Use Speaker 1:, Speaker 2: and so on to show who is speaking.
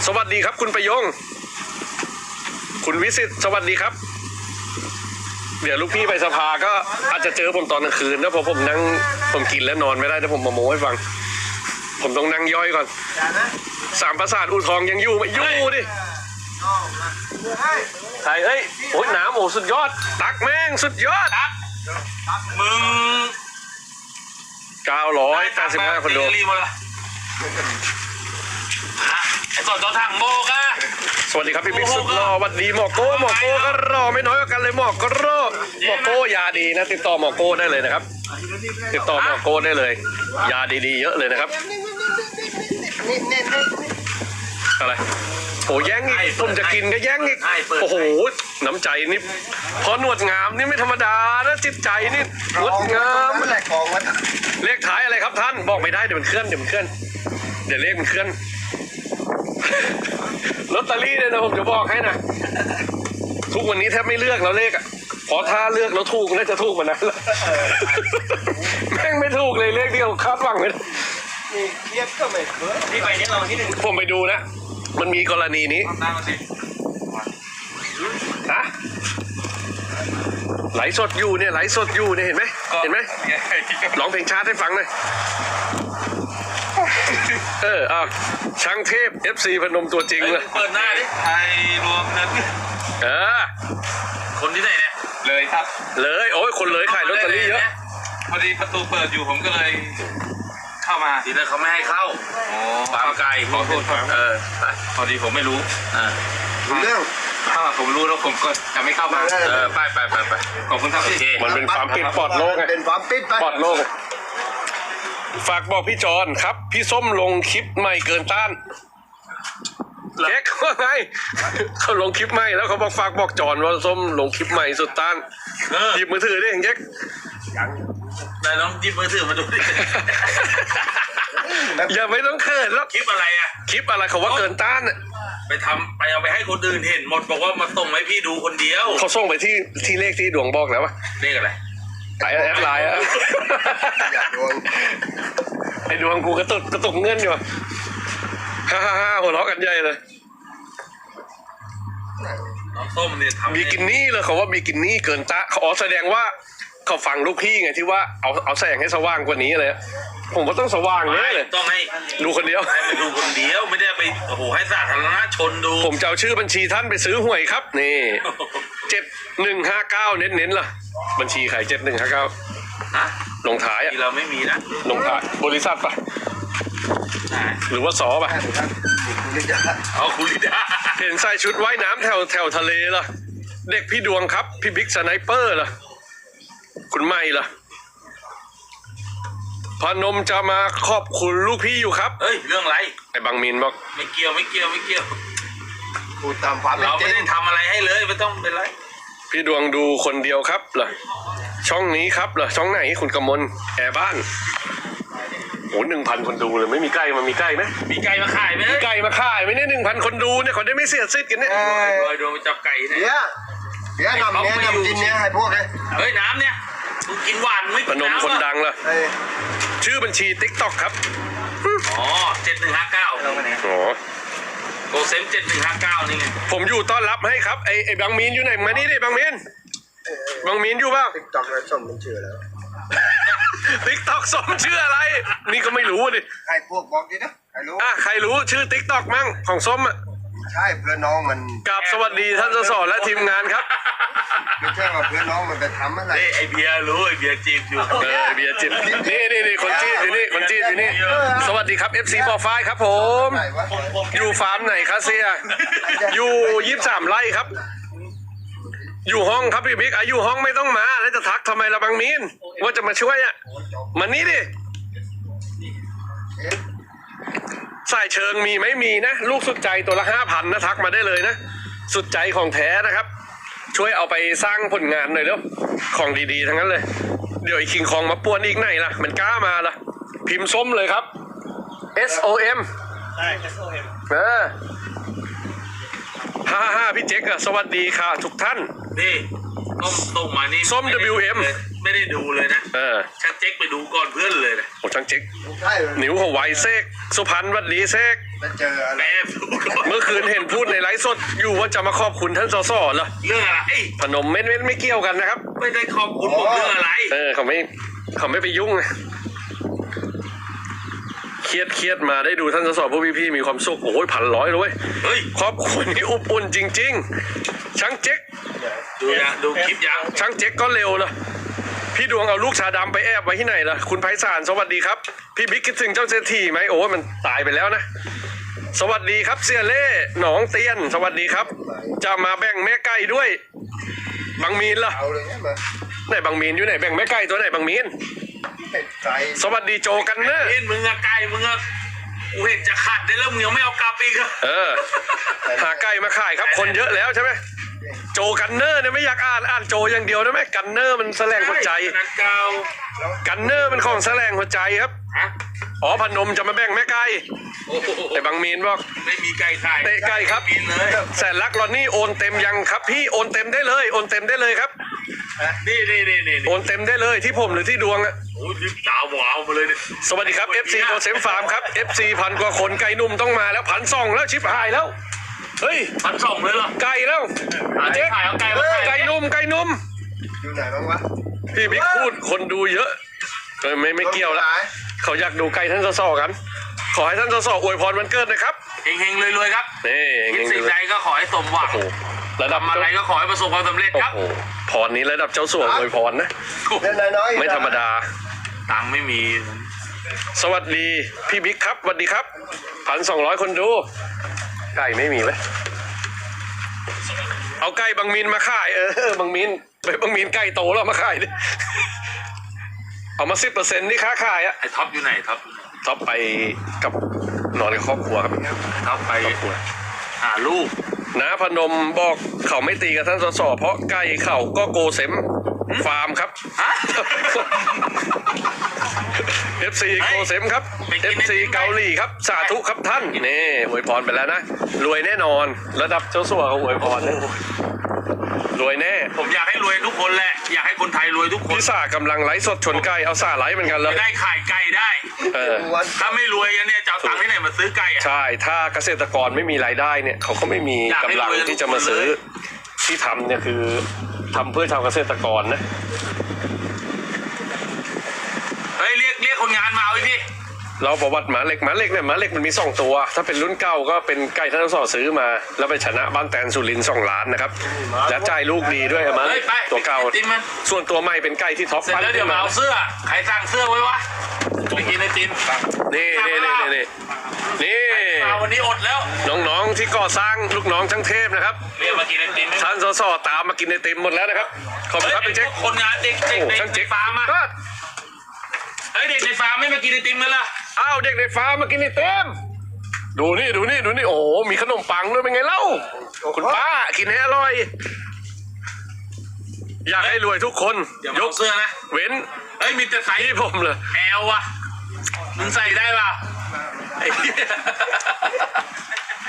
Speaker 1: สวัสดีครับคุณประยงคุณวิสิตสวัสดีครับเดี๋ยวลูกพี่ไปสภาก็อาจจะเจอผมตอนกลางคืนนะเพราะผมกินแล้วนอนไม่ได้แต่ผมมาโม้ให้ฟังผมต้องนั่งย่อยก่อนสามประสาทอู่ทองยังอยู่ไหมอยู่ดิใช่เฮ้ยโอ้ยน้ำโอ้สุดยอดตักแม่งสุดยอด
Speaker 2: มึง
Speaker 1: 985คนดู
Speaker 2: ไอ้สดตัวถังโบกอะ
Speaker 1: สวัสดีครับพี่บิ๊กสุดรอวัดดีหมอโก้ก็รอไม่น้อยกว่ากันเลยหมอโก้ยาดีนะติดต่อหมอโก้ได้เลยนะครับติดต่อหมอโก้ได้เลยยาดีๆเยอะเลยนะครับอะไรโอ้แย่งอีกผมจะกินก็แย่งอีกโอ้โหน้ำใจนี่พอหนวดงามนี่ไม่ธรรมดานะจิตใจนี่งดงามเลขท้ายอะไรครับท่านบอกไม่ได้เดี๋ยวมันเคลื่อนเดี๋ยวเลขมันเคลื่อนลอตเตอรี่เลยนะผมจะบอกให้นะทุกวันนี้แทบไม่เลือกแล้วเลขอ่ะพอถ้าเลือกแล้วถูกน่าจะถูกมานั้นแล้วแม่งไม่ถูกเลยเลขที่เราคาดหวังเลย
Speaker 2: เรียกก็ไม่เบื่อที่ไปนี่เราที่หนึ่ง
Speaker 1: ผมไปดูนะมันมีกรณีนี้ฮะไหลสดอยู่เนี่ยเห็นไหมร้องเพลงชาติให้ฟังหน่อยช่างเทพ FC พนมตัวจริงเลย
Speaker 2: เปิดหน้าดิไทยรวมนั้นคนที่ไหนเนี่ยเลยครับ
Speaker 1: เลยโอ้ยคนเลยขายลอตเตอรี่เยอะ
Speaker 2: พอดีประตูเปิดอยู่ผมก็เลยเข้ามาทีนั้นเขาไม่ให้เข้าปามไกลขอโทษครับพอดีผมไม่รู้
Speaker 3: เรื่อง
Speaker 2: ถ้าผมรู้แล้วผมก็จะไม่เข้ามาไปขอบคุณครับพี่
Speaker 1: มันเป็นความปิดปลอดโลกไง
Speaker 3: เป็นความปิด
Speaker 1: ปลอดโลกฝากบอกพี่จอนครับพี่ส้มลงคลิปใหม่เกินต้านเจ๊กว่าไงเขาลงคลิปใหม่แล้วเขาบอกฝากบอกจอนว่าส้มลงคลิปใหม่สุดต้านหยิบมือถือดิเจ๊ก
Speaker 2: นายลองหยิบมือถือมาดูดิ
Speaker 1: อย่าไม่ต้องเขินแล้ว
Speaker 2: คลิปอะไรอะ
Speaker 1: คลิปอะไรเขาว่าเกินต้าน
Speaker 2: ไปเอาไปให้คนอื่นเห็นหมดบอกว่ามาส่งให้พี่ดูคนเดียว
Speaker 1: เขาส่งไปที่เลขที่ดวงบอกแล้ววะ
Speaker 2: เลขอะไร
Speaker 1: แอดไลน์อะไอ้ดวงกูกระตุกเงินอยู่ฮ่าหัวเราะกันใหญ่เลย
Speaker 2: น้องส้มเนี่ยทำ
Speaker 1: บิกินี่เลยเขาว่าบิกินี่เกินตาเขาแสดงว่าเขาฟังลูกพี่ไงที่ว่าเอาแสงให้สว่างกว่านี้เลยผมก็ต้องสว่างเลย
Speaker 2: ต้องให้
Speaker 1: ดูคนเดียว
Speaker 2: ให้ดูคนเดียวไม่ได้ไปโอ้โหให้สาธารณชนดู
Speaker 1: ผมจะเอาชื่อบัญชีท่านไปซื้อหวยครับนี่7159เน้นล่ะบัญชีใคร7159
Speaker 2: นะ
Speaker 1: ลงท้าย
Speaker 2: เราไม่มีนะ
Speaker 1: ลงท้ายบริษัทปะหรือว่าสอปะ
Speaker 2: คุณลิดา
Speaker 1: เห็นใส่ชุดว่ายน้ำแถวทะเลล่ะเด็กพี่ดวงครับพี่บิ๊กสไนเปอร์ล่ะคุณไม่ล่ะพนมจะมาขอบคุณลูกพี่อยู่ครับ
Speaker 2: เฮ้ยเรื่องอะไร
Speaker 1: ไอ้บางมินบอก
Speaker 2: ไม่เกี่ยว
Speaker 3: พูดตามความ
Speaker 2: เราไม่ได้ทำอะไรให้เลยไม่ต้องเป็นไร
Speaker 1: พี่ดวงดูคนเดียวครับเหรอช่องนี้ครับเหรอช่องไหนคุณกมลแอร์บ้านโอ้1,000 คนดูเลยไม่มีใกล้มันมีใกล้ไหม
Speaker 2: มีไก่มาขายไหม
Speaker 1: มีไก่มาขายไหมเนี่ย1,000 คนดูเนี่ยเขาได้ไม่เสียสิทธิ์กันเนี่ย
Speaker 2: โดนจับไก่
Speaker 3: เนี่ยเดี๋ยวนำกินเนี่ยให้พวกเลย
Speaker 2: เฮ้ยน้ำเนี่ยมึงกินหวานไม่
Speaker 1: พนมคนดังล่ะชื่อบัญชี TikTok ครับ
Speaker 2: อ๋อ7159
Speaker 1: อ๋อ
Speaker 2: โกเซม7159นี่ไง
Speaker 1: ผมอยู่ต้อนรับให้ครับไอ้บางมีนอยู่ไหนมานี่ดิบางมีนอยู่เปล่า
Speaker 3: TikTok แล้วส้มมันชื่อแล้ว
Speaker 1: TikTok ส้มชื่ออะไรนี่ก็ไม่รู้ดิ
Speaker 3: ใครพวกบอกดินะใครรู้
Speaker 1: ใครรู้ชื่อ TikTok มั่งของส้มอ่ะ
Speaker 3: ใช่เพื่อนน้องมัน
Speaker 1: กับสวัสดีท่านสสและทีมงานครับ
Speaker 3: ไม่ใช่ว่าเพื่อนน้องมันไปทำอะไร
Speaker 2: ไอเบียร์รู้ไอเบียร์จีบอยู่
Speaker 1: เบียร์จีบนี่คนจีบอยู่นี่สวัสดีครับ FC ปอไฟครับผมอยู่ฟาร์มไหนคะเสียอยู่23 ไร่ครับอยู่ห้องครับพี่บิ๊กอยู่ห้องไม่ต้องมาแล้วจะทักทำไมละบางมีนว่าจะมาช่วยอ่ะมันนี่ดิสายเชิงมีไหมมีนะลูกสุดใจตัวละ 5,000 นะทักมาได้เลยนะสุดใจของแท้นะครับช่วยเอาไปสร้างผลงานหน่อยเร็วของดีๆทั้งนั้นเลยเดี๋ยวไอ้คิงคองมาป่วนอีกไหนล่ะมันกล้ามาล่ะพิมพ์ส้มเลยครับ SOM
Speaker 2: ใช่ SOM
Speaker 1: 55พี่เจ๊กสวัสดีค่ะทุกท่าน
Speaker 2: นี่ส้มมานี่
Speaker 1: ส้ม WM
Speaker 2: ไม่ได้ดูเลยนะช่างเจ๊กไปดูก่อนเพื่อนเลยนะ
Speaker 1: โอ้ช่างเจ๊กนิ้วหัวไวเซกสุพรรณวัดดีเซก
Speaker 3: เจออะไร
Speaker 1: เมื่อคืนเห็นพูดในไลฟ์สดอยู่ว่าจะมาขอบคุณท่านสสเหรอ
Speaker 2: เรื่องอะไร
Speaker 1: พนมไม่เกี่ยวกันนะครับ
Speaker 2: ไม่ได้ขอบคุณผมเรื่องอะไร
Speaker 1: เขาไม่ไปยุ่งไงเครียดมาได้ดูท่านสสพวกพี่ๆมีความสุขโอ้ย1,100เลยเว้ย
Speaker 2: เฮ้ย
Speaker 1: ครอบครัวนี้อบอุ่นจริงๆช่างเจ๊ก
Speaker 2: ดูคลิปยัง
Speaker 1: ช่างเจ๊กก็เร็วเลยพี่ดวงเอาลูกชาดำไปแอบไว้ที่ไหนล่ะคุณไพศาลสวัสดีครับพี่บิ๊กคิดถึงเจ้าเศรษฐีไหมโอ้ยมันตายไปแล้วนะสวัสดีครับเสี่ยเล่หนองเตียนสวัสดีครับ จะมาแบ่งแม่ไก่ด้วยบางมีนล่ะ
Speaker 3: เอาเลยเนี่ยมา
Speaker 1: ไหนบางมีนอยู่ไหนแบ่งแม่ไก่ตัวไหนบางมีน
Speaker 3: เป็ดไก่
Speaker 1: สวัสดีโจกันเนอะ
Speaker 2: เห็นมึงอะไก่มึงอะกูเห็นจะขาดได้แล้วมึงยังไม่เอากลับอีกอะ
Speaker 1: หาไก่มาขายครับคนเยอะแล้วใช่ไหมโจกันเนอร์เนี่ยไม่อยากอ่านโจอย่างเดียวได้ไหมกันเนอร์มันแสลงหัวใจ
Speaker 2: นักเก่า
Speaker 1: กันเนอร์มันของแสลงหัวใจครับ
Speaker 2: ฮะ
Speaker 1: อ๋อพนมจะมาแบ่งแม่ไก่
Speaker 2: โอ้โห
Speaker 1: แต่บางมีนบอก
Speaker 2: ไม่มีไก่ขาย
Speaker 1: เตะไก่ครับ
Speaker 2: กินเลย
Speaker 1: แสนรักรอนนี่โอนเต็มยังครับพี่โอนเต็มได้เลยโอนเต็มได้เลยครับ
Speaker 2: นี่
Speaker 1: โอนเต็มได้เลยที่ผมหรือที่ดวงอะ
Speaker 2: โอ้ยรีบตาหวาวมาเลยเนี่ย
Speaker 1: สวัสดีครับ FC โกเซมฟาร์มครับ FC 1,000 กว่าคนไก่นุ่มต้องมาแล้ว1,200แล้วชิบหายแล้วเฮ้ย
Speaker 2: 1,200เลยเหรอ
Speaker 1: ไก่แล้ว
Speaker 2: เจ๊ขายเอาไก่มาขาย
Speaker 1: ไก่นุ่ม
Speaker 3: อยู่ไหนบ้างวะ
Speaker 1: พี่บิ๊กพูดคนดูเยอะไม่เกี่ยวแล้วเขาอยากดูไก่ท่านสสกัน ขอให้ท่านสสอวยพรวันเกิดนะครับ
Speaker 2: เฮงๆรวยๆครับ
Speaker 1: นี่
Speaker 2: คิดสิ่งใดก็ขอให้สมหวัง
Speaker 1: โอ้โหระดับ
Speaker 2: ทำอะไรก็ขอให้ประสบความสำเร็จ
Speaker 1: โอ้
Speaker 2: ครับ
Speaker 1: โหพรนี้ระดับเจ้าสัวอวยพรนะ
Speaker 3: เล่นน้อยๆ
Speaker 1: ไม่ธรรมดา
Speaker 2: ตังค์ไม่มี
Speaker 1: สวัสดีพี่บิ๊กครับสวัสดีครับ1,200 คนดู ไก่ไม่มีไหมเอาไก่บางมีนมาขายบางมีนไปบางมีนไก่โตแล้วมาขายดิเอามา10%ที่ค้าขายอะ
Speaker 2: ไอ้ท็อปอยู่ไหนท็อป
Speaker 1: ท็อปไปกับนอนกับครอบครัวครับ
Speaker 2: ท็อปไป
Speaker 1: ครอบครัว
Speaker 2: หาลูก
Speaker 1: น้าพนมบอกเขาไม่ตีกับท่านสสเพราะไก่เขาก็โกเซมฟาร์มครับ
Speaker 2: ฮะ
Speaker 1: FC โกเซมครับ FC เกาหลีครับสาธุครับท่านนี่อวยพรไปแล้วนะรวยแน่นอนระดับเจ้าสัวเขาอวยพรนะรวยแน่
Speaker 2: ผมอยากให้รวยทุกคนแหละ อยากให้คนไทยรวยทุกคน
Speaker 1: พี่สากำลังไลฟ์สดชนไก่เอาสาไลฟ์เหมือนกันเลย
Speaker 2: จะได้ขายไก่ได้
Speaker 3: วัน
Speaker 2: ถ้าไม่รวยกันเนี่ยจะเอาตังค์ที่ไหนมาซื้อไก่อะ
Speaker 1: ใช่ถ้าเกษตรกรไม่มีรายได้เนี่ยเขาก็ไม่มีกำลังที่จะมาซื้อที่ทำเนี่ยคือทำเพื่อชาวเกษตรกรนะ
Speaker 2: เฮ้ยเรียกคนงานมาเอาดิ
Speaker 1: เราประวัติหมาเหล็กเนี่ยหมาเหล็กมันมี2 ตัว ถ้าเป็นรุ่นเก่าก็เป็นไก่ท่านสอซื้อมา แล้วไปชนะบ้านแตนสุรินทร์2 ล้านนะครับและจ่ายลูกดีด้วยมา
Speaker 2: เฮ้ยไป
Speaker 1: ตัวเก่า
Speaker 2: ไปกินมัน
Speaker 1: ส่วนตัวใหม่เป็นไก่ที่ท็อป
Speaker 2: เสร็จ
Speaker 1: ปั้น
Speaker 2: แล้วเดี๋ยวมาเอาเสื้อใครสั่งเสื้อไว้วะไปกินไอติม
Speaker 1: นี่นี่
Speaker 2: มาวันนี้อดแล้ว
Speaker 1: น้องๆที่ก่อสร้างลูกน้องทั้งเทพนะครับ
Speaker 2: เรียกมากินไอติม
Speaker 1: ท่านสอตามมากินไอติมหมดแล้วนะครับขอบคุณครับพี่เจ๊ก
Speaker 2: คนงานเด็ก
Speaker 1: โอ้
Speaker 2: ใน
Speaker 1: ช่างเจ๊ก
Speaker 2: ฟาร์มอะ
Speaker 1: ก็
Speaker 2: เฮ้ยเด็กในฟาร์มไม่มากินไอติมกันล่ะ
Speaker 1: อ้าวเด็กในฟาร์มมากินไอติมดูนี่โอ้โหมีขนมปังด้วยเป็นไงเล่าคุณป้ากินให้อร่อย อยากให้รวยทุกคน
Speaker 2: เดี๋ยวย มาก เสื้อนะ
Speaker 1: เว้น
Speaker 2: เฮ้ยมีแต่ไซส์
Speaker 1: ที่ผมเลย
Speaker 2: แอลวะมึงใส่ได้ป่ะไอ้เหี้ย